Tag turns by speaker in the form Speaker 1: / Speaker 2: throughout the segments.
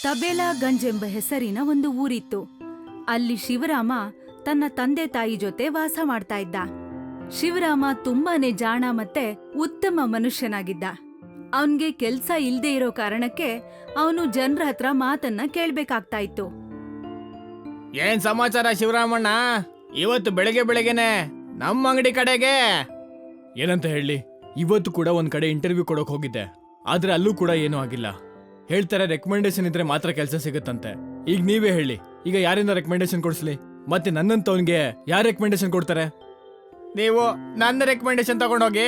Speaker 1: ತಬೇಲಾಗಂಜ್ ಎಂಬ ಹೆಸರಿನ ಒಂದು ಊರಿತ್ತು. ಅಲ್ಲಿ ಶಿವರಾಮ ತನ್ನ ತಂದೆ ತಾಯಿ ಜೊತೆ ವಾಸ ಮಾಡ್ತಾ ಇದ್ದ. ಶಿವರಾಮ ತುಂಬಾನೇ ಜಾಣ ಮತ್ತೆ ಉತ್ತಮ ಮನುಷ್ಯನಾಗಿದ್ದ. ಅವನ್ಗೆ ಕೆಲ್ಸ ಇಲ್ದೇ ಇರೋ ಕಾರಣಕ್ಕೆ ಅವನು ಜನರ ಹತ್ರ ಮಾತನ್ನ ಕೇಳ್ಬೇಕಾಗ್ತಾ ಇತ್ತು.
Speaker 2: ಏನ್ ಸಮಾಚಾರ ಶಿವರಾಮಣ್ಣ? ಇವತ್ತು ಬೆಳಗ್ಗೆ ಬೆಳಗ್ಗೆನೆ ನಮ್ಮ ಅಂಗಡಿ ಕಡೆಗೆ ಏನಂತ ಹೇಳಿ? ಇವತ್ತು ಕೂಡ ಒಂದ್ ಕಡೆ ಇಂಟರ್ವ್ಯೂ ಕೊಡೋಕ್ ಹೋಗಿದ್ದೆ, ಆದ್ರೆ ಅಲ್ಲೂ ಕೂಡ ಏನೂ ಆಗಿಲ್ಲ. ಹೇಳ್ತಾರೆ ರೆಕಮೆಂಡೇಶನ್ ಇದ್ರೆ ಮಾತ್ರ ಕೆಲಸ ಸಿಗುತ್ತಂತೆ. ಈಗ ನೀವೇ ಹೇಳಿ, ಈಗ ಯಾರಿಂದ ರೆಕಮೆಂಡೇಶನ್ ಕೊಡ್ಸ್ಲಿ? ಮತ್ತೆ ನನ್ನಂತವನ್ಗೆ ಯಾರು ರೆಕಮೆಂಡೇಶನ್ ಕೊಡ್ತಾರೆ? ನೀವು ನನ್ನ ರೆಕಮೆಂಡೇಶನ್ ತಗೊಂಡೋಗಿ.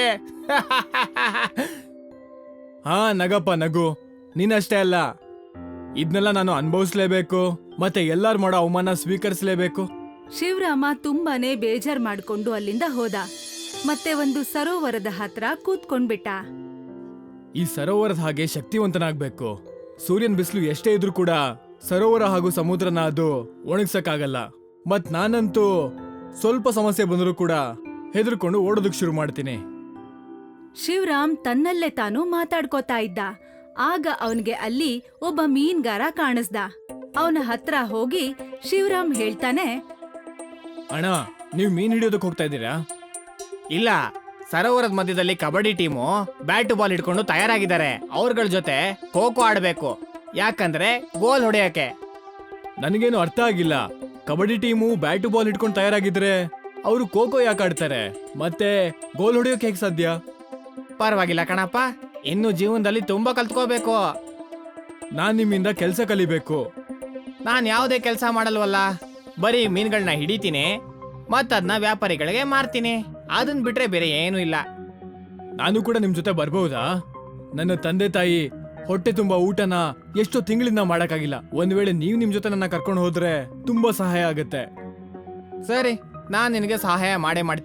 Speaker 2: ಹಾ ನಗಪ್ಪ ನಗು, ನೀನಷ್ಟೇ ಅಲ್ಲ, ಇದನ್ನೆಲ್ಲ ನಾನು ಅನುಭವಿಸ್ಲೇಬೇಕು, ಮತ್ತೆ ಎಲ್ಲಾರು ಮಾಡೋ ಅವಮಾನ ಸ್ವೀಕರಿಸಲೇಬೇಕು.
Speaker 1: ಶಿವರಾಮ ತುಂಬಾನೇ ಬೇಜಾರ್ ಮಾಡ್ಕೊಂಡು ಅಲ್ಲಿಂದ ಹೋದ. ಮತ್ತೆ ಒಂದು ಸರೋವರದ ಹತ್ರ ಕೂತ್ಕೊಂಡ್ಬಿಟ್ಟ.
Speaker 2: ಈ ಸರೋವರದ ಹಾಗೆ ಶಕ್ತಿವಂತನಾಗ್ಬೇಕು. ಸೂರ್ಯನ ಬಿಸಿಲು ಎಷ್ಟೇ ಇದ್ರೂ ಕೂಡ ಸರೋವರ ಹಾಗೂ ಸಮುದ್ರನ ಅದು ಒಣಗ್ಸಕ್ಕಾಗಲ್ಲ. ಮತ್ ನಾನಂತೂ ಸ್ವಲ್ಪ ಸಮಸ್ಯೆ ಬಂದರೂ ಕೂಡ ಹೆದರ್ಕೊಂಡು ಓಡೋದಕ್ ಶುರು ಮಾಡ್ತೀನಿ.
Speaker 1: ಶಿವರಾಮ್ ತನ್ನಲ್ಲೇ ತಾನು ಮಾತಾಡ್ಕೋತಾ ಇದ್ದ. ಆಗ ಅವನ್ಗೆ ಅಲ್ಲಿ ಒಬ್ಬ ಮೀನ್ಗಾರ ಕಾಣಿಸ್ದ. ಅವನ ಹತ್ರ ಹೋಗಿ ಶಿವರಾಮ್ ಹೇಳ್ತಾನೆ,
Speaker 2: ಅಣ್ಣ, ನೀವು ಮೀನ್ ಹಿಡಿಯೋದಕ್ಕೆ ಹೋಗ್ತಾ ಇದ್ದೀರಾ? ಇಲ್ಲ, ಸರೋವರದ ಮಧ್ಯದಲ್ಲಿ ಕಬಡ್ಡಿ ಟೀಮು ಬ್ಯಾಟ್ ಬಾಲ್ ಇಟ್ಕೊಂಡು ತಯಾರಾಗಿದ್ದಾರೆ. ಅವ್ರಗಳ ಜೊತೆ ಖೋ ಖೋ ಆಡ್ಬೇಕು, ಯಾಕಂದ್ರೆ ಗೋಲ್ ಹೊಡೆಯಕ್ಕೆ. ನನಗೇನು ಅರ್ಥ ಆಗಿಲ್ಲ. ಕಬಡ್ಡಿ ಟೀಮು ಬ್ಯಾಟ್ ಬಾಲ್ ಇಟ್ಕೊಂಡು ತಯಾರಾಗಿದ್ರೆ ಅವರು ಖೋ ಖೋ ಯಾಕೆ ಆಡ್ತಾರೆ? ಮತ್ತೆ ಗೋಲ್ ಹೊಡೆಯೋಕೆ ಹೇಗೆ ಸಾಧ್ಯ? ಪರವಾಗಿಲ್ಲ ಕಣಪ್ಪ, ಇನ್ನು ಜೀವನದಲ್ಲಿ ತುಂಬಾ ಕಲ್ತ್ಕೋಬೇಕು. ನಾನ್ ನಿಮ್ಮಿಂದ ಕೆಲಸ ಕಲಿಬೇಕು. ನಾನ್ ಯಾವುದೇ ಕೆಲಸ ಮಾಡಲ್ವಲ್ಲ, ಬರೀ ಮೀನುಗಳನ್ನ ಹಿಡಿತೀನಿ ಮತ್ತದನ್ನ ವ್ಯಾಪಾರಿಗಳಿಗೆ ಮಾರ್ತೀನಿ. ಅದನ್ ಬಿಟ್ರೆ ಬೇರೆ ಏನೂ ಇಲ್ಲ. ನಾನು ಕೂಡ ನಿಮ್ ಜೊತೆ ಬರ್ಬಹುದಾ? ನನ್ನ ತಂದೆ ತಾಯಿ ಹೊಟ್ಟೆ ತುಂಬಾ ಊಟನ ಎಷ್ಟೋ ತಿಂಗಳಿಂದ ಮಾಡಕ್ಕಾಗಿಲ್ಲ. ಒಂದ್ ವೇಳೆ ನೀವು ನಿಮ್ ಜೊತೆ ನನ್ನ ಕರ್ಕೊಂಡು ಹೋದ್ರೆ ತುಂಬಾ ಸಹಾಯ ಆಗುತ್ತೆ. ಸರಿ, ನಾನ್ ನಿನಗೆ ಸಹಾಯ ಮಾಡೇ ಮಾಡ್ತೀನಿ.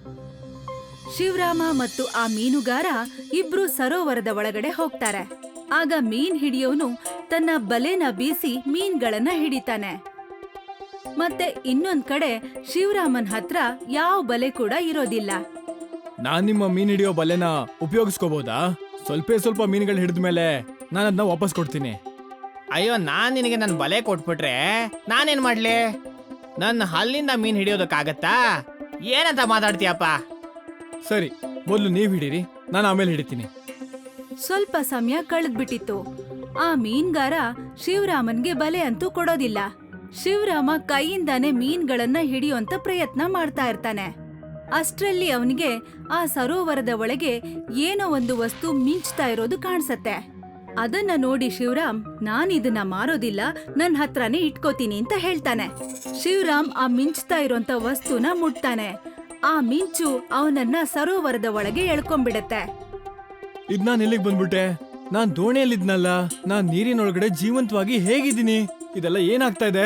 Speaker 1: ಶಿವರಾಮ ಮತ್ತು ಆ ಮೀನುಗಾರ ಇಬ್ರು ಸರೋವರದ ಒಳಗಡೆ ಹೋಗ್ತಾರೆ. ಆಗ ಮೀನ್ ಹಿಡಿಯೋನು ತನ್ನ ಬಲೆನ ಬೀಸಿ ಮೀನ್ಗಳನ್ನ ಹಿಡಿತಾನೆ. ಮತ್ತೆ ಇನ್ನೊಂದ್ ಕಡೆ ಶಿವರಾಮನ್ ಹತ್ರ ಯಾವ ಬಲೆ ಕೂಡ ಇರೋದಿಲ್ಲ.
Speaker 2: ನಾನ್ ನಿಮ್ಮ ಮೀನ್ ಹಿಡಿಯೋ ಬಲೆನ ಉಪಯೋಗಿಸ್ಕೋಬಹುದಾ? ಸ್ವಲ್ಪ ಮೀನುಗಳು ಹಿಡಿದ್ಮೇಲೆ ನಾನು ಅದನ್ನ ವಾಪಸ್ ಕೊಡ್ತೀನಿ. ಅಯ್ಯೋ, ನಾನ್ ನಿನಗೆ ನನ್ನ ಬಲೆ ಕೊಟ್ಬಿಟ್ರೆ ನಾನೇನ್ ಮಾಡ್ಲಿ? ನನ್ನ ಹಲ್ಲಿಂದ ಮೀನ್ ಹಿಡಿಯೋದಕ್ಕಾಗತ್ತಾ? ಏನಂತ ಮಾತಾಡ್ತೀಯಪ್ಪ? ಸರಿ, ಮೊದಲು ನೀವ್ ಹಿಡೀರಿ, ನಾನು ಆಮೇಲೆ ಹಿಡಿತೀನಿ.
Speaker 1: ಸ್ವಲ್ಪ ಸಮಯ ಕಳೆದ್ಬಿಟ್ಟಿತ್ತು. ಆ ಮೀನ್ಗಾರ ಶಿವರಾಮನ್ಗೆ ಬಲೆ ಅಂತೂ ಕೊಡೋದಿಲ್ಲ. ಶಿವರಾಮ ಕೈಯಿಂದಾನೆ ಮೀನ್ಗಳನ್ನ ಹಿಡಿಯುವಂತ ಪ್ರಯತ್ನ ಮಾಡ್ತಾ ಇರ್ತಾನೆ. ಅಷ್ಟ್ರಲ್ಲಿ ಅವನಿಗೆ ಆ ಸರೋವರದ ಒಳಗೆ ಏನೋ ಒಂದು ವಸ್ತು ಮಿಂಚ್ತಾ ಇರೋದು ಕಾಣಿಸತ್ತೆ. ಅದನ್ನ ನೋಡಿ ಶಿವರಾಮ್, ನಾನಿದನ್ನ ಮಾರೋದಿಲ್ಲ, ನನ್ ಹತ್ರನೇ ಇಟ್ಕೋತೀನಿ ಅಂತ ಹೇಳ್ತಾನೆ. ಶಿವರಾಮ್ ಆ ಮಿಂಚ್ತಾ ಇರೋಂತ ವಸ್ತುನ ಮುಟ್ತಾನೆ. ಆ ಮಿಂಚು ಅವನನ್ನ ಸರೋವರದ ಒಳಗೆ ಎಳ್ಕೊಂಡ್ಬಿಡತ್ತೆ.
Speaker 2: ಇದ್ ನಾನ್ ಎಲ್ಲಿಗೆ ಬಂದ್ಬಿಟ್ಟೆ? ನಾನ್ ದೋಣಿಯಲ್ಲಿದ್ನಲ್ಲ, ನಾನ್ ನೀರಿನೊಳಗಡೆ ಜೀವಂತವಾಗಿ ಹೇಗಿದ್ದೀನಿ? ಇದೆಲ್ಲ ಏನಾಗ್ತಾ ಇದೆ?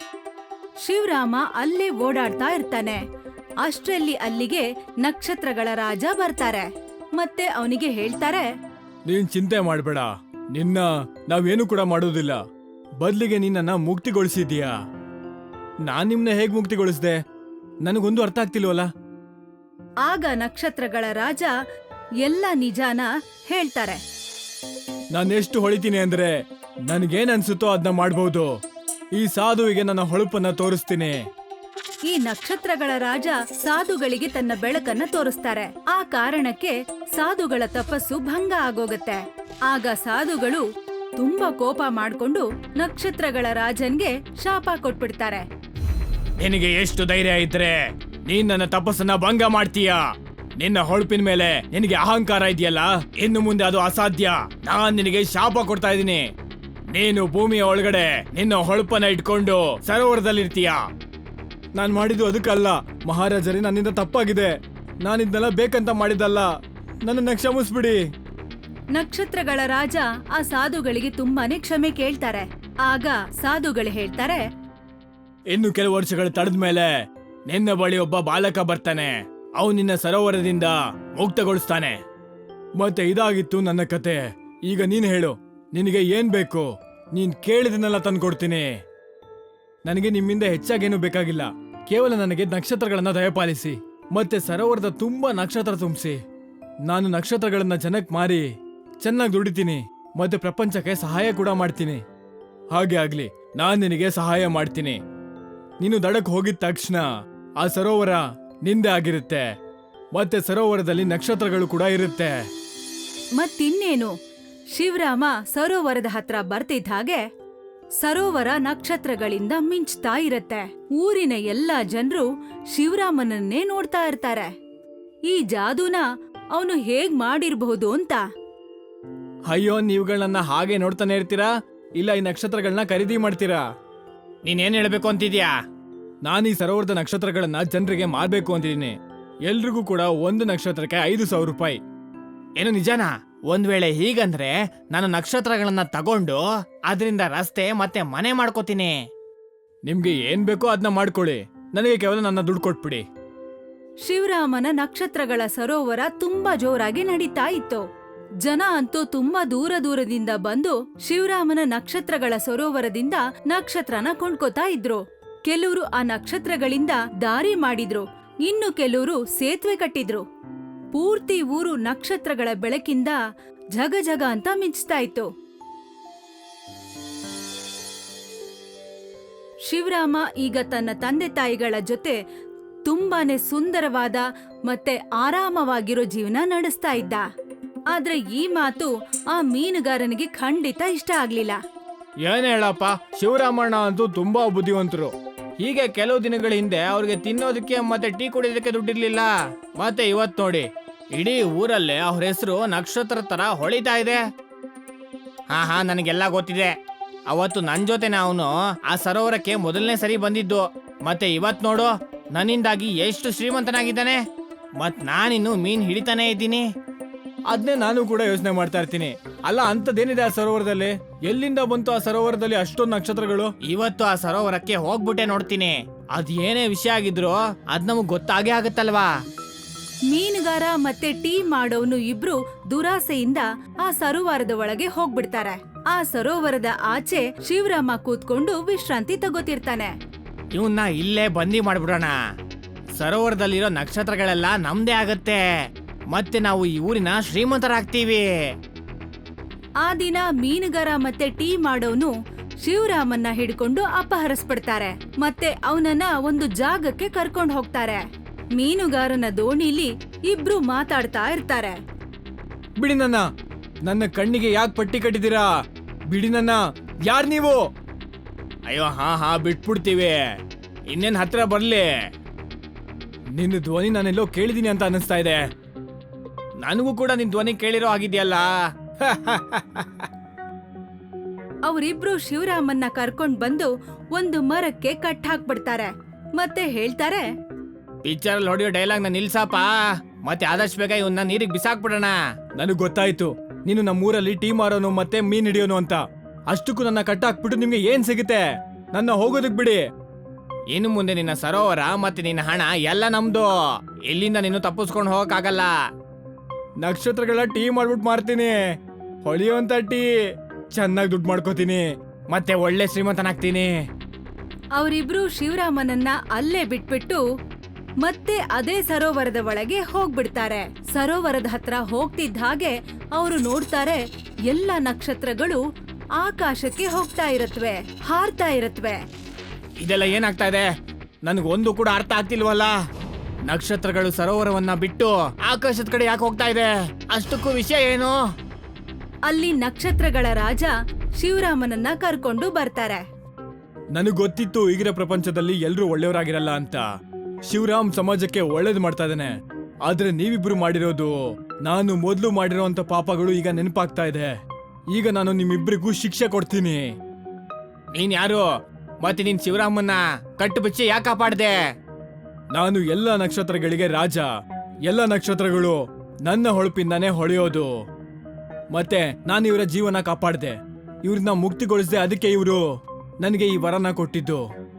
Speaker 1: ಶಿವರಾಮ ಅಲ್ಲೇ ಓಡಾಡ್ತಾ ಇರ್ತಾನೆ. ಅಷ್ಟ್ರಲ್ಲಿ ಅಲ್ಲಿಗೆ ನಕ್ಷತ್ರಗಳ ರಾಜ ಬರ್ತಾರೆ. ಮತ್ತೆ ಅವನಿಗೆ ಹೇಳ್ತಾರೆ,
Speaker 2: ನೀನ್ ಚಿಂತೆ ಮಾಡ್ಬೇಡ, ನಿನ್ನ ನಾವೇನು ಕೂಡ ಮಾಡೋದಿಲ್ಲ. ಬದ್ಲಿಗೆ ನಿನ್ನ ಮುಕ್ತಿಗೊಳಿಸಿದೀಯಾ. ನಾನ್ ನಿಮ್ನ ಹೇಗ್ ಮುಕ್ತಿಗೊಳಿಸ್ದೆ? ನನಗೊಂದು ಅರ್ಥ ಆಗ್ತಿಲ್ವಲ್ಲ.
Speaker 1: ಆಗ ನಕ್ಷತ್ರಗಳ ರಾಜ ಎಲ್ಲ ನಿಜಾನ ಹೇಳ್ತಾರೆ.
Speaker 2: ನಾನೆಷ್ಟು ಹೊಳಿತೀನಿ ಅಂದ್ರೆ ನನ್ಗೇನ್ ಅನ್ಸುತ್ತೋ ಅದನ್ನ ಮಾಡ್ಬೋದು. ಈ ಸಾಧುವಿಗೆ ನನ್ನ ಹೊಳಪನ್ನ ತೋರಿಸ್ತೀನಿ.
Speaker 1: ಈ ನಕ್ಷತ್ರಗಳ ರಾಜ ಸಾಧುಗಳಿಗೆ ತನ್ನ ಬೆಳಕನ್ನ ತೋರಿಸ್ತಾರೆ. ಆ ಕಾರಣಕ್ಕೆ ಸಾಧುಗಳ ತಪಸ್ಸು ಭಂಗ ಆಗೋಗತ್ತೆ. ಆಗ ಸಾಧುಗಳು ತುಂಬಾ ಕೋಪ ಮಾಡ್ಕೊಂಡು ನಕ್ಷತ್ರಗಳ ರಾಜನ್ಗೆ ಶಾಪ ಕೊಟ್ಬಿಡ್ತಾರೆ.
Speaker 2: ನಿನಗೆ ಎಷ್ಟು ಧೈರ್ಯ ಇದ್ರೆ ನೀನ್ ನನ್ನ ತಪಸ್ಸನ್ನ ಭಂಗ ಮಾಡ್ತೀಯಾ? ನಿನ್ನ ಹೊಳಪಿನ ಮೇಲೆ ನಿನಗೆ ಅಹಂಕಾರ ಇದೆಯಲ್ಲ, ಇನ್ನು ಮುಂದೆ ಅದು ಅಸಾಧ್ಯ. ನಾನ್ ನಿನಗೆ ಶಾಪ ಕೊಡ್ತಾ ಇದ್ದೀನಿ. ನೀನು ಭೂಮಿಯ ಒಳಗಡೆ ನಿನ್ನ ಹೊಳಪನ್ನ ಇಟ್ಕೊಂಡು ಸರೋವರದಲ್ಲಿರ್ತೀಯ. ನಾನ್ ಮಾಡಿದ್ದು ಅದಕ್ಕಲ್ಲ ಮಹಾರಾಜರೇ, ನನ್ನಿಂದ ತಪ್ಪಾಗಿದೆ. ನಾನಿದ್ನೆಲ್ಲ ಬೇಕಂತ ಮಾಡಿದ್ದಲ್ಲ, ನನ್ನನ್ನ ಕ್ಷಮಿಸ್ಬಿಡಿ.
Speaker 1: ನಕ್ಷತ್ರಗಳ ರಾಜ ಆ ಸಾಧುಗಳಿಗೆ ತುಂಬಾನೇ ಕ್ಷಮೆ ಕೇಳ್ತಾರೆ. ಆಗ ಸಾಧುಗಳು ಹೇಳ್ತಾರೆ,
Speaker 2: ಇನ್ನು ಕೆಲವು ವರ್ಷಗಳು ತಡೆದ ಮೇಲೆ ನಿನ್ನ ಬಳಿ ಒಬ್ಬ ಬಾಲಕ ಬರ್ತಾನೆ. ಅವನು ನಿನ್ನ ಸರೋವರದಿಂದ ಮುಕ್ತಗೊಳಿಸ್ತಾನೆ. ಮತ್ತೆ ಇದಾಗಿತ್ತು ನನ್ನ ಕತೆ. ಈಗ ನೀನ್ ಹೇಳು, ನಿನಗೆ ಏನ್ ಬೇಕು? ನೀನ್ ಕೇಳಿದನ್ನೆಲ್ಲ ತಂದ್ಕೊಡ್ತೀನಿ. ನನಗೆ ನಿಮ್ಮಿಂದ ಹೆಚ್ಚಾಗೇನು ಬೇಕಾಗಿಲ್ಲ. ಕೇವಲ ನನಗೆ ನಕ್ಷತ್ರಗಳನ್ನ ದಯಪಾಲಿಸಿ ಮತ್ತೆ ಸರೋವರದ ತುಂಬಾ ನಕ್ಷತ್ರ ತುಂಬಿಸಿ. ನಾನು ನಕ್ಷತ್ರಗಳನ್ನ ಜನಕ್ ಮಾರಿ ಚೆನ್ನಾಗಿ ದುಡಿತೀನಿ ಮತ್ತೆ ಪ್ರಪಂಚಕ್ಕೆ ಸಹಾಯ ಕೂಡ ಮಾಡ್ತೀನಿ.
Speaker 3: ಹಾಗೆ ಆಗ್ಲಿ, ನಾನ್ ನಿನಗೆ ಸಹಾಯ ಮಾಡ್ತೀನಿ. ನೀನು ದಡಕ್ ಹೋಗಿದ ತಕ್ಷಣ ಆ ಸರೋವರ ನಿಂದೆ ಆಗಿರುತ್ತೆ. ಮತ್ತೆ ಸರೋವರದಲ್ಲಿ ನಕ್ಷತ್ರಗಳು ಕೂಡ ಇರುತ್ತೆ.
Speaker 1: ಮತ್ತಿನ್ನೇನು, ಶಿವರಾಮ ಸರೋವರದ ಹತ್ರ ಬರ್ತಿದ್ದ ಹಾಗೆ ಸರೋವರ ನಕ್ಷತ್ರಗಳಿಂದ ಮಿಂಚ್ತಾ ಇರತ್ತೆ. ಊರಿನ ಎಲ್ಲಾ ಜನರು ಶಿವರಾಮನನ್ನೇ ನೋಡ್ತಾ ಇರ್ತಾರೆ. ಈ ಜಾದೂನ ಅವನು ಹೇಗ್ ಮಾಡಿರ್ಬಹುದು ಅಂತ.
Speaker 3: ಅಯ್ಯೋ, ನೀವುಗಳನ್ನ ಹಾಗೆ ನೋಡ್ತಾನೆ ಇರ್ತೀರಾ, ಇಲ್ಲ ಈ ನಕ್ಷತ್ರಗಳನ್ನ ಖರೀದಿ ಮಾಡ್ತೀರಾ?
Speaker 2: ನೀನೇನ್ ಹೇಳ್ಬೇಕು ಅಂತಿದ್ಯಾ?
Speaker 3: ನಾನು ಈ ಸರೋವರದ ನಕ್ಷತ್ರಗಳನ್ನ ಜನರಿಗೆ ಮಾರ್ಬೇಕು ಅಂತಿದ್ದೀನಿ. ಎಲ್ರಿಗೂ ಕೂಡ ಒಂದು ನಕ್ಷತ್ರಕ್ಕೆ 5,000 ರೂಪಾಯಿ.
Speaker 2: ಏನು ನಿಜನಾ? ಒಂದ್ ವೇಳೆ ಹೀಗಂದ್ರೆ ನಾನು ನಕ್ಷತ್ರಗಳನ್ನ ತಗೊಂಡು ಅದರಿಂದ ರಸ್ತೆ ಮತ್ತೆ ಮನೆ ಮಾಡ್ಕೋತೀನಿ.
Speaker 3: ನಿಮ್ಗೆ ಏನ್ ಬೇಕೋ ಅದನ್ನ ಮಾಡ್ಕೊಳ್ಳಿ, ನನಗೆ ಕೇವಲ ನನ್ನ ದುಡ್ಡು ಕೊಟ್ಬಿಡಿ.
Speaker 1: ಶಿವರಾಮನ ನಕ್ಷತ್ರಗಳ ಸರೋವರ ತುಂಬಾ ಜೋರಾಗಿ ನಡೀತಾ ಇತ್ತು. ಜನ ಅಂತೂ ತುಂಬಾ ದೂರದಿಂದ ಬಂದು ಶಿವರಾಮನ ನಕ್ಷತ್ರಗಳ ಸರೋವರದಿಂದ ನಕ್ಷತ್ರನ ಕೊಂಡ್ಕೋತಾ ಇದ್ರು. ಕೆಲವರು ಆ ನಕ್ಷತ್ರಗಳಿಂದ ದಾರಿ ಮಾಡಿದ್ರು, ಇನ್ನು ಕೆಲವರು ಸೇತುವೆ ಕಟ್ಟಿದ್ರು. ಪೂರ್ತಿ ಊರು ನಕ್ಷತ್ರಗಳ ಬೆಳಕಿಂದ ಜಗ ಜಗ ಅಂತ ಮಿಂಚ್ತಾ ಇತ್ತು. ಶಿವರಾಮ ಈಗ ತನ್ನ ತಂದೆ ತಾಯಿಗಳ ಜೊತೆ ತುಂಬಾನೇ ಸುಂದರವಾದ ಮತ್ತೆ ಆರಾಮವಾಗಿರೋ ಜೀವನ ನಡೆಸ್ತಾ ಇದ್ದ. ಆದ್ರೆ ಈ ಮಾತು ಆ ಮೀನುಗಾರನಿಗೆ ಖಂಡಿತ ಇಷ್ಟ ಆಗ್ಲಿಲ್ಲ.
Speaker 3: ಏನ್ ಹೇಳಪ್ಪ, ಶಿವರಾಮಣ್ಣ ಅಂತೂ ತುಂಬಾ ಬುದ್ಧಿವಂತರು.
Speaker 2: ಹೀಗೆ ಕೆಲವು ದಿನಗಳ ಹಿಂದೆ ಅವ್ರಿಗೆ ತಿನ್ನೋದಕ್ಕೆ ಮತ್ತೆ ಟೀ ಕುಡಿಯೋದಕ್ಕೆ ದುಡ್ಡಿರ್ಲಿಲ್ಲ. ಮತ್ತೆ ಇವತ್ ನೋಡಿ, ಇಡೀ ಊರಲ್ಲೇ ಅವ್ರ ಹೆಸರು ನಕ್ಷತ್ರ ತರ ಹೊಳಿತಾ ಇದೆ. ಹಾ ನನಗೆಲ್ಲ ಗೊತ್ತಿದೆ. ಅವತ್ತು ನನ್ ಜೊತೆನೆ ಅವನು ಆ ಸರೋವರಕ್ಕೆ ಮೊದಲನೇ ಸರಿ ಬಂದಿದ್ದು. ಮತ್ತೆ ಇವತ್ ನೋಡು, ನನ್ನಿಂದಾಗಿ ಎಷ್ಟು ಶ್ರೀಮಂತನಾಗಿದ್ದಾನೆ. ಮತ್ ನಾನಿನ್ನು ಮೀನ್ ಹಿಡಿತಾನೆ ಇದ್ದೀನಿ.
Speaker 3: ಅದನ್ನೇ ನಾನು ಕೂಡ ಯೋಚನೆ ಮಾಡ್ತಾ ಇರ್ತೀನಿ. ಅಲ್ಲ, ಅಂತದೇನಿದೆ ಆ ಸರೋವರದಲ್ಲಿ? ಎಲ್ಲಿಂದ ಬಂತು ಆ ಸರೋವರದಲ್ಲಿ ಅಷ್ಟೊಂದು ನಕ್ಷತ್ರಗಳು?
Speaker 2: ಇವತ್ತು ಆ ಸರೋವರಕ್ಕೆ ಹೋಗ್ಬಿಟ್ಟೆ ನೋಡ್ತೀನಿ. ಅದ್ ಏನೇ ವಿಷಯ ಆಗಿದ್ರು ಅದ್ ನಮಗ್ ಗೊತ್ತಾಗೇ ಆಗತ್ತಲ್ವಾ.
Speaker 1: ಮೀನುಗಾರ ಮತ್ತೆ ಟೀ ಮಾಡೋನು ಇಬ್ರು ದುರಾಸೆಯಿಂದ ಆ ಸರೋವರದ ಒಳಗೆ ಹೋಗ್ಬಿಡ್ತಾರೆ. ಆ ಸರೋವರದ ಆಚೆ ಶಿವರಾಮ ಕೂತ್ಕೊಂಡು ವಿಶ್ರಾಂತಿ ತಗೋತಿರ್ತಾನೆ.
Speaker 2: ಇವನ್ನ ಇಲ್ಲೇ ಬಂದಿ ಮಾಡ್ಬಿಡೋಣ. ಸರೋವರದಲ್ಲಿರೋ ನಕ್ಷತ್ರಗಳೆಲ್ಲ ನಮ್ದೇ ಆಗತ್ತೆ. ಮತ್ತೆ ನಾವು ಈ ಊರಿನ ಶ್ರೀಮಂತರಾಗ್ತೀವಿ.
Speaker 1: ಆ ದಿನ ಮೀನುಗಾರ ಮತ್ತೆ ಟೀ ಮಾಡೋನು ಶಿವರಾಮನ್ನ ಹಿಡ್ಕೊಂಡು ಅಪಹರಿಸ್ಬಿಡ್ತಾರೆ. ಮತ್ತೆ ಅವನನ್ನ ಒಂದು ಜಾಗಕ್ಕೆ ಕರ್ಕೊಂಡು ಹೋಗ್ತಾರೆ. ಮೀನುಗಾರನ ದೋಣಿಲಿ ಇಬ್ರು ಮಾತಾಡ್ತಾ ಇರ್ತಾರೆ.
Speaker 3: ಬಿಡಿ ನನ್ನ ಕಣ್ಣಿಗೆ ಯಾಕೆ ಪಟ್ಟಿ ಕಟ್ಟಿದ್ದೀರಾ? ಬಿಡಿ ನನ್ನ. ಯಾರ್ ನೀವು?
Speaker 2: ಅಯ್ಯೋ ಹಾ ಬಿಟ್ಬಿಡ್ತೀವಿ. ಇನ್ನೇನ್ ಹತ್ರ ಬರ್ಲಿ.
Speaker 3: ನಿನ್ನ ಧ್ವನಿ ನಾನೆಲ್ಲೋ ಕೇಳಿದೀನಿ ಅಂತ ಅನಿಸ್ತಾ ಇದೆ.
Speaker 2: ನನಗೂ ಕೂಡ ನಿನ್ ಧ್ವನಿ ಕೇಳಿರೋ ಆಗಿದ್ಯಲ್ಲ.
Speaker 1: ಅವರಿಬ್ರು ಶಿವರಾಮನ್ನ ಕರ್ಕೊಂಡ್ ಬಂದು ಒಂದು ಮರಕ್ಕೆ ಕಟ್ ಹಾಕ್ಬಿಡ್ತಾರೆ. ಮತ್ತೆ ಹೇಳ್ತಾರೆ,
Speaker 2: ಪಿಕ್ಚರ್ ಅಲ್ಲಿ ಹೊಡೆಯೋ ಡೈಲಾಗ್ ನ ನಿಲ್ಸಪ್ಪ. ಮತ್ತೆ ಆದಷ್ಟು ಬೇಗ ಇವನ್ನ ನೀರಿಗೆ ಬಿಸಾಕ್ಬಿಡೋಣ.
Speaker 3: ನನಗ್ ಗೊತ್ತಾಯ್ತು, ನೀನು ನಮ್ಮೂರಲ್ಲಿ ಟೀ ಮಾರೋನು ಮತ್ತೆ ಮೀನ್ ಹಿಡಿಯೋನು ಅಂತ. ಅಷ್ಟಕ್ಕೂ ನನ್ನ ಕಟ್ಟಾಕ್ಬಿಟ್ಟು ನಿಮ್ಗೆ ಏನ್ ಸಿಗುತ್ತೆ? ನನ್ನ ಹೋಗೋದಕ್ ಬಿಡಿ.
Speaker 2: ಇನ್ನು ಮುಂದೆ ನಿನ್ನ ಸರೋವರ ಮತ್ತೆ ನಿನ್ನ ಹಣ ಎಲ್ಲ ನಮ್ದು. ಇಲ್ಲಿಂದ ನೀನು ತಪ್ಪಿಸ್ಕೊಂಡು ಹೋಗಕ್ಕಾಗಲ್ಲ.
Speaker 3: ನಕ್ಷತ್ರಗಳ ಟೀ ಮಾಡ್ಬಿಟ್ಟು ಮಾರ್ತೀನಿ. ಹೊಳಿಯುವಂತ ಟೀ. ಚೆನ್ನಾಗಿ ದುಡ್ಡು ಮಾಡ್ಕೋತೀನಿ.
Speaker 2: ಮತ್ತೆ ಒಳ್ಳೆ ಶ್ರೀಮಂತನಾಗ್ತೀನಿ.
Speaker 1: ಅವರಿಬ್ರು ಶಿವರಾಮನನ್ನ ಅಲ್ಲೇ ಬಿಟ್ಬಿಟ್ಟು ಮತ್ತೆ ಅದೇ ಸರೋವರದ ಒಳಗೆ ಹೋಗ್ಬಿಡ್ತಾರೆ. ಸರೋವರದ ಹತ್ರ ಹೋಗ್ತಿದ್ದ ಹಾಗೆ ಅವರು ನೋಡ್ತಾರೆ, ಎಲ್ಲ ನಕ್ಷತ್ರಗಳು ಆಕಾಶಕ್ಕೆ ಹೋಗ್ತಾ ಇರತ್ವೆ, ಹಾರ್ತಾ ಇರತ್ವೆ.
Speaker 2: ಇದೆಲ್ಲ ಏನಾಗ್ತಾ ಇದೆ? ನನ್ಗೊಂದು ಕೂಡ ಅರ್ಥ ಆಗ್ತಿಲ್ವಲ್ಲ. ನಕ್ಷತ್ರಗಳು ಸರೋವರವನ್ನ ಬಿಟ್ಟು ಆಕಾಶದ ಕಡೆ ಯಾಕೆ ಹೋಗ್ತಾ ಇದೆ? ಅಷ್ಟಕ್ಕೂ ವಿಷಯ ಏನು?
Speaker 1: ಅಲ್ಲಿ ನಕ್ಷತ್ರಗಳ ರಾಜ ಶಿವರಾಮನನ್ನ ಕರ್ಕೊಂಡು ಬರ್ತಾರೆ.
Speaker 3: ನನಗ್ ಗೊತ್ತಿತ್ತು ಈಗಿನ ಪ್ರಪಂಚದಲ್ಲಿ ಎಲ್ರೂ ಒಳ್ಳೆಯವರಾಗಿರಲ್ಲ ಅಂತ. ಶಿವರಾಮ್ ಸಮಾಜಕ್ಕೆ ಒಳ್ಳೇದು ಮಾಡ್ತಾ ಇದ್ದಾನೆ. ಆದ್ರೆ ನೀವಿಬ್ರು ಮಾಡಿರೋದು, ನಾನು ಮೊದ್ಲು ಮಾಡಿರೋಂತ ಪಾಪಗಳು ಈಗ ನೆನಪಾಗ್ತಾ ಇದೆ. ಈಗ ನಾನು ನಿಮ್ಮಿಬ್ರಿಗೂ ಶಿಕ್ಷೆ ಕೊಡ್ತೀನಿ.
Speaker 2: ನೀನ್ ಯಾರು? ಮತ್ತೆ ನೀನ್ ಶಿವರಾಮನ್ನ ಕಟ್ಟು ಬಿಚ್ಚಿ ಯಾಕೆ ಕಾಪಾಡ್ದೆ?
Speaker 3: ನಾನು ಎಲ್ಲ ನಕ್ಷತ್ರಗಳಿಗೆ ರಾಜ. ಎಲ್ಲ ನಕ್ಷತ್ರಗಳು ನನ್ನ ಹೊಳಪಿಂದಾನೇ ಹೊಳೆಯೋದು. ಮತ್ತೆ ನಾನು ಇವರ ಜೀವನ ಕಾಪಾಡ್ದೆ, ಇವ್ರನ್ನ ಮುಕ್ತಿಗೊಳಿಸಿದೆ. ಅದಕ್ಕೆ ಇವರು ನನಗೆ ಈ ವರನ ಕೊಟ್ಟಿದ್ದು.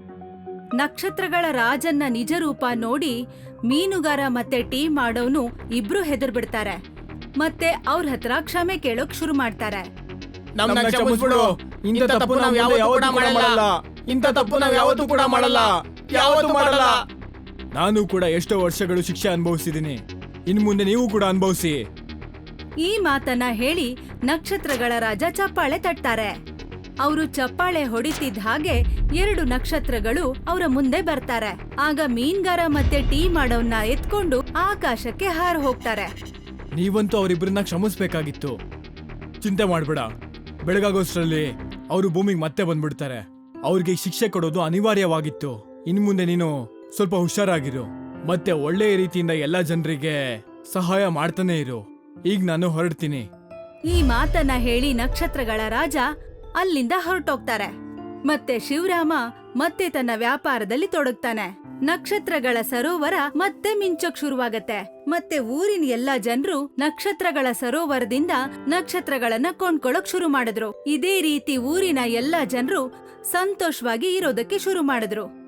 Speaker 1: ನಕ್ಷತ್ರಗಳ ರಾಜನ್ನ ನಿಜ ರೂಪ ನೋಡಿ ಮೀನುಗಾರ ಮತ್ತೆ ಟೀ ಮಾಡೋನು ಇಬ್ರು ಹೆದರ್ಬಿಡ್ತಾರೆ. ಮತ್ತೆ ಅವ್ರ ಹತ್ರ ಕ್ಷಮೆ ಕೇಳೋಕ್ ಶುರು ಮಾಡ್ತಾರೆ.
Speaker 2: ನಮ್ನ ಕ್ಷಮಿಸ್ಬಿಡು. ಇಂಥ ತಪ್ಪು ನಾವ್ ಯಾವತ್ತೂ ಕೂಡ ಮಾಡಲ್ಲ. ಇಂಥ ತಪ್ಪು ನಾವ್ ಯಾವತ್ತೂ ಕೂಡ ಮಾಡಲ್ಲ. ಯಾವತ್ತೂ ಮಾಡಲ್ಲ.
Speaker 3: ನಾನು ಕೂಡ ಎಷ್ಟೋ ವರ್ಷಗಳು ಶಿಕ್ಷೆ ಅನುಭವಿಸಿದ್ದೀನಿ. ಇನ್ ಮುಂದೆ ನೀವು ಕೂಡ ಅನುಭವಿಸಿ.
Speaker 1: ಈ ಮಾತನ್ನ ಹೇಳಿ ನಕ್ಷತ್ರಗಳ ರಾಜ ಚಪ್ಪಾಳೆ ತಟ್ತಾರೆ. ಅವರು ಚಪ್ಪಾಳೆ ಹೊಡಿತಿದ್ದ ಹಾಗೆ 2 ನಕ್ಷತ್ರಗಳು ಅವರ ಮುಂದೆ ಬರ್ತಾರೆ. ಆಗ ಮೀನ್ಗಾರ ಮತ್ತೆ ಟೀ ಮಾಡೋನ್ನ ಎತ್ಕೊಂಡು ಆಕಾಶಕ್ಕೆ ಹಾರ್ ಹೋಗ್ತಾರೆ.
Speaker 3: ನೀವಂತೂ ಅವರಿಬ್ಬರನ್ನ ಕ್ಷಮಿಸ್ಬೇಕಾಗಿತ್ತು. ಚಿಂತೆ ಮಾಡ್ಬೇಡ, ಬೆಳಗಾಗೋಷ್ಟ್ರಲ್ಲಿ ಅವರು ಭೂಮಿಗೆ ಮತ್ತೆ ಬಂದ್ಬಿಡ್ತಾರೆ. ಅವ್ರಿಗೆ ಶಿಕ್ಷೆ ಕೊಡೋದು ಅನಿವಾರ್ಯವಾಗಿತ್ತು. ಇನ್ ಮುಂದೆ ನೀನು ಸ್ವಲ್ಪ ಹುಷಾರಾಗಿರು, ಮತ್ತೆ ಒಳ್ಳೆಯ ರೀತಿಯಿಂದ ಎಲ್ಲಾ ಜನರಿಗೆ ಸಹಾಯ ಮಾಡ್ತಾನೆ ಇರು. ಈಗ ನಾನು ಹೊರಡ್ತೀನಿ.
Speaker 1: ಈ ಮಾತನ್ನ ಹೇಳಿ ನಕ್ಷತ್ರಗಳ ರಾಜ ಅಲ್ಲಿಂದ ಹೊರಟೋಗ್ತಾರೆ. ಮತ್ತೆ ಶಿವರಾಮ ಮತ್ತೆ ತನ್ನ ವ್ಯಾಪಾರದಲ್ಲಿ ತೊಡಗ್ತಾನೆ. ನಕ್ಷತ್ರಗಳ ಸರೋವರ ಮತ್ತೆ ಮಿಂಚೋಕ್ ಶುರುವಾಗತ್ತೆ. ಮತ್ತೆ ಊರಿನ ಎಲ್ಲಾ ಜನರು ನಕ್ಷತ್ರಗಳ ಸರೋವರದಿಂದ ನಕ್ಷತ್ರಗಳನ್ನ ಕೊಂಡ್ಕೊಳ್ಳೋಕ್ ಶುರು ಮಾಡಿದ್ರು. ಇದೇ ರೀತಿ ಊರಿನ ಎಲ್ಲಾ ಜನರು ಸಂತೋಷವಾಗಿ ಇರೋದಕ್ಕೆ ಶುರು ಮಾಡಿದ್ರು.